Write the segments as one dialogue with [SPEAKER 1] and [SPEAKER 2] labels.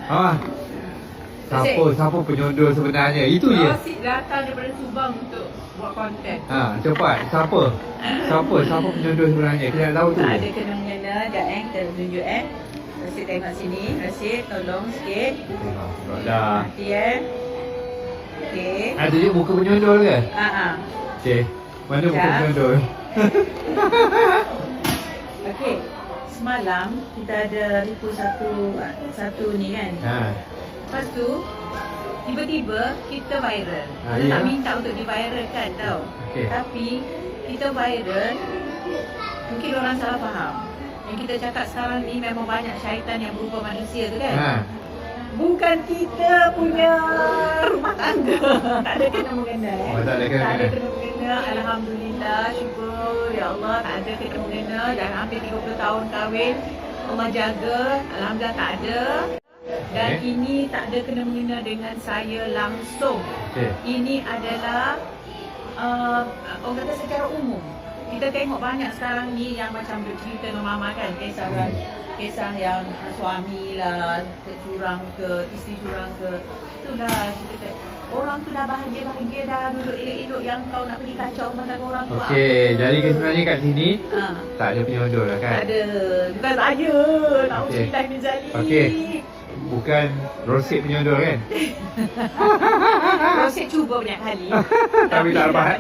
[SPEAKER 1] Siapa penyondol sebenarnya? Itu je.
[SPEAKER 2] Rosid datang daripada Subang untuk buat konten.
[SPEAKER 1] Cepat. Siapa penyondol sebenarnya? Kita nak tahu tu.
[SPEAKER 2] Tak ada kena-mengena. Sekejap kita tunjuk Rosid tengok sini. Rosid tolong sikit.
[SPEAKER 1] Tengok dah.
[SPEAKER 2] Nanti Okey.
[SPEAKER 1] Ada je muka penyondol ke? Okey. Mana muka penyondol?
[SPEAKER 2] Okey. Semalam kita ada repost satu ni kan. Lepas tu tiba-tiba kita viral. Kita tak minta untuk di-viralkan tau. Tapi kita viral, mungkin orang salah faham. Yang kita cakap sekarang ni memang banyak syaitan yang berupa manusia tu kan. Bukan kita punya rumah tangga. Tak ada kena-mengena
[SPEAKER 1] Tak ada
[SPEAKER 2] kena-mengena. Alhamdulillah, syukur ya Allah, tak ada kena-mengena. Dan hampir 30 tahun kahwin, Allah jaga. Alhamdulillah tak ada. Dan ini tak ada kena-mengena dengan saya langsung. Ini adalah orang kata secara umum. Kita tengok banyak sekarang ni yang macam bercerita dengan mama kan, kisah yang suami lah curang ke, isteri curang ke. Itulah kita orang tu dah bahagia dah duduk elok-elok, yang kau nak pergi kacau rumah tangga orang tu.
[SPEAKER 1] Jadi sebenarnya kat sini tak ada penyondol lah kan?
[SPEAKER 2] Tak ada. Bukan saya. Na'udzubillah min zalik.
[SPEAKER 1] Bukan Rosid penyondol kan?
[SPEAKER 2] Rosid cuba banyak kali.
[SPEAKER 1] Tapi tak dapat.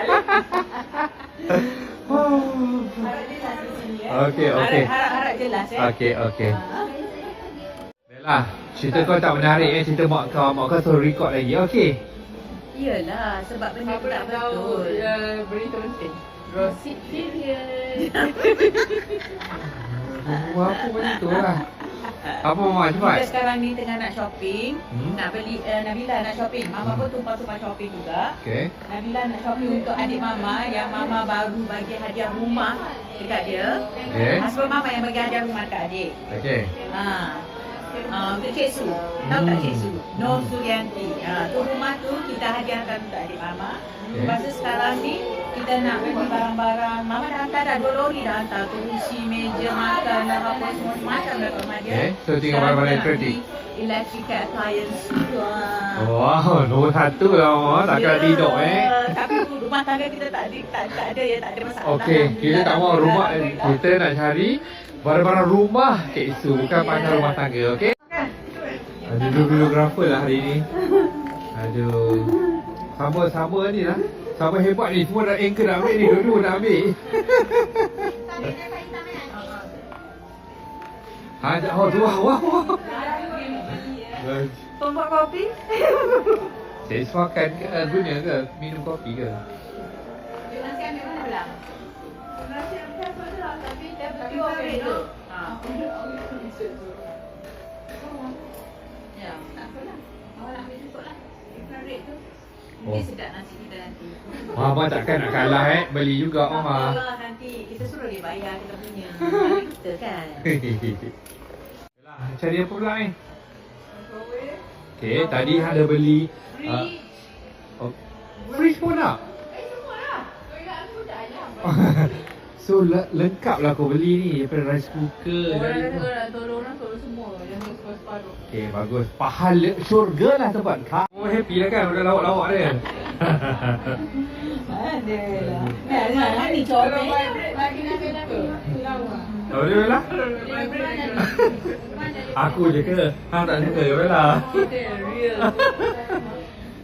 [SPEAKER 2] Harap jelas di sini Harap jelas
[SPEAKER 1] Okey. Bella, cerita kau tak menarik cerita mak kau suruh record lagi. Okey.
[SPEAKER 2] Iyalah, sebab benda tu tak betul.
[SPEAKER 3] Berita penting. Rosid serius.
[SPEAKER 1] Apa benda tu lah. Apa Mama cepat?
[SPEAKER 2] Kita sekarang ni tengah nak shopping. Nak beli Nabila nak shopping. Mama pun tumpah-tumpah shopping juga. Nabila nak shopping untuk adik Mama yang Mama baru bagi hadiah rumah dekat dia. Husband Mama yang bagi hadiah rumah dekat adik. Untuk Cik Su. Tahu tak Cik Su? Nur Suryanti. Tu rumah tu kita hadiahkan untuk adik Mama. Lepas tu sekarang ni kita nak beli barang-barang. Mama dah hantar dah 2 lori dah hantar. Kerusi, meja, makan dah apa semua macam dah kat rumah dia.
[SPEAKER 1] So tinggal barang-barang elektrik.
[SPEAKER 2] Electrical appliance.
[SPEAKER 1] Wow, nombor 1 lah Mama. Takkan tidur
[SPEAKER 2] Tapi rumah tangga kita tak ada masalah.
[SPEAKER 1] Okey, kita tak mau rumah. Kita nak cari barang-barang rumah Cik Su, bukan pasal rumah tangga, okey? Ada videographer lah hari ni. Aduh. Sama ni lah. Sama hebat ni. Semua dah anchor nak ambil ni. Dua-dua nak ambil. Tu wah.
[SPEAKER 2] Tombak kopi?
[SPEAKER 1] Saya suakan ke guna ke? Minum kopi ke?
[SPEAKER 2] Nasi ambil mana belang? Nasi ambil belang tapi dia ambil tu. Ya, tak apalah. Awak nak ambil cukup lah. Infrared tu. Mungkin sedap nasi kita nanti.
[SPEAKER 1] Mama takkan nak kalah beli juga Mama.
[SPEAKER 2] Nanti kita suruh dia bayar kita punya. Kita kan.
[SPEAKER 1] Cari apa pula ni? Okey, tadi ada beli fridge pun nak?
[SPEAKER 3] Semua lah. Toilet aku dah ayam.
[SPEAKER 1] So lengkap lah kau beli ni. Daripada rice cooker.
[SPEAKER 3] Tolong semua. Yang separuh.
[SPEAKER 1] Okey, bagus. Pahala syurga lah tempat kau. Oh, happy lah kan udah lawak-lawak dia.
[SPEAKER 2] Adalah. Nah, ni coba.
[SPEAKER 3] Lagi nak apa? Lawa.
[SPEAKER 1] Oh, dia Bella? Aku je ke? Hang tak suka je Bella?
[SPEAKER 3] Real.